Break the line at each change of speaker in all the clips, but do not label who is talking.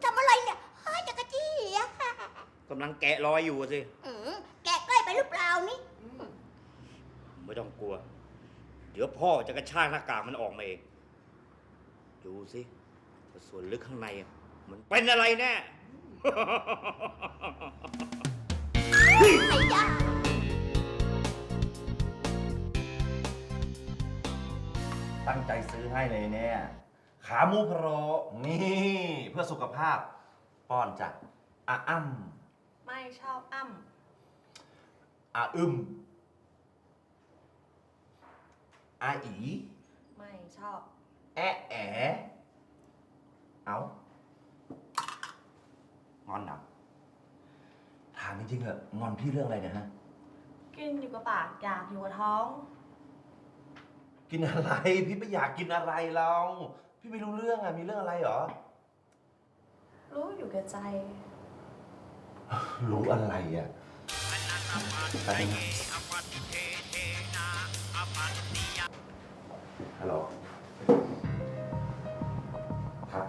ทำอะไรเนี่ยเฮ้ยจักรจี้อะ
กำลังแกะรอยอยู่สิ
แกะใกล้ไปหรือเปล่านี่
ไม่ต้องกลัว เดี๋ยวพ่อจะกระชากหน้ากากมันออกมาเอง ดูสิว่าส่วนลึกข้างในอะมันเป็นอะไรแน่
ไอ้ยา
ตั้งใจซื้อให้เลยเนี่ย ขาหมูพะโล้นี่เพื่อสุขภาพ ป้อนจากอ้ำ
ไม่ชอบอ้ำ
อึมอี
ไม่ชอบ
แเอางอนหนักถามจริงๆเหอะงอนพี่เรื่องอะไรเนี่ยฮะ
กินอยู่กับปากอยากอยู่กับท้อง
กินอะไร พี่ไม่อยากกินอะไรเรา พี่ไม่รู้เรื่องอะมีเรื่องอะไรเหรอ
รู้อยู่กับใจ
รู้อะไรอะอะไรนะฮัลโหลครับ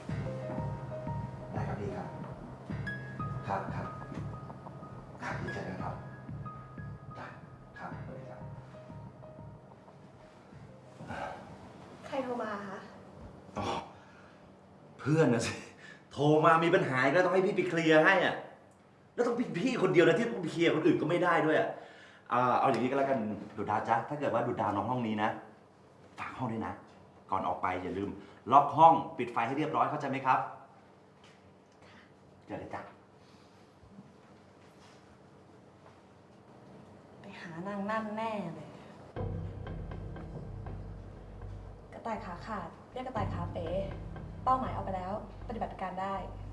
ได้ครับพี่ครับครับดีใจนะครับได้ครับสวัสดีครับ
ใครโทรมาคะ
อ๋อเพื่อนนะสิ โทรมามีปัญหาอีกแล้วต้องให้พี่ไปเคลียร์ให้อ่ะ แล้วต้องพี่คนเดียวนะที่ต้องไปเคลียร์คนอื่นก็ไม่ได้ด้วยอ่ะเอาอย่างนี้ก็แล้วกันดูดาวจ๊ะถ้าเกิดว่าดูดาวน้องห้องนี้นะฝากห้องด้วยนะ ก่อนออกไปอย่าลืม ล็อกห้องปิดไฟให้เรียบร้อยเข้าใจไหมครับเจอเลยจ้ะ
ไปหานางนั่นแน่เลย กระต่ายขาขาดเรียกกระต่ายขาเป๋ เป้าหมายเอาไปแล้ว ปฏิบัติการได้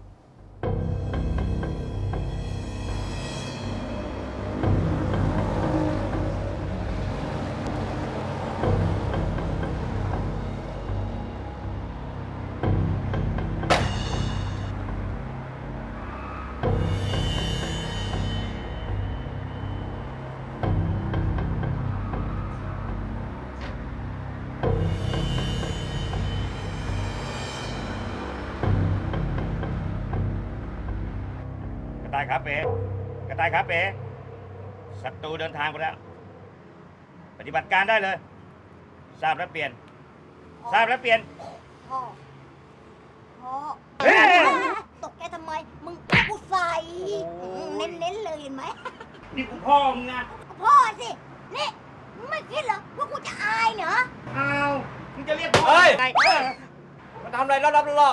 กระต่ายขาเป๋กระต่ายขาเป๋ศัตรูเดินทางไปแล้ว ปฏิบัติการได้เลย ทราบแล้วเปลี่ยน ทราบแล้วเปลี่ยน
พ่อพ่อ
เฮ้ย
ตกใจทำไม มึงเอากูใส่เน้นๆเลยเห็นไหม
นี่กูพ่อมึงนะ
พ่อสิ นี่มึงไม่คิดเหรอว่ากูจะอายเหรอ
อ้าวมึงจะเรียกพ่อ
เฮ้ย
ไง
มาทำอะไรรับๆล่อ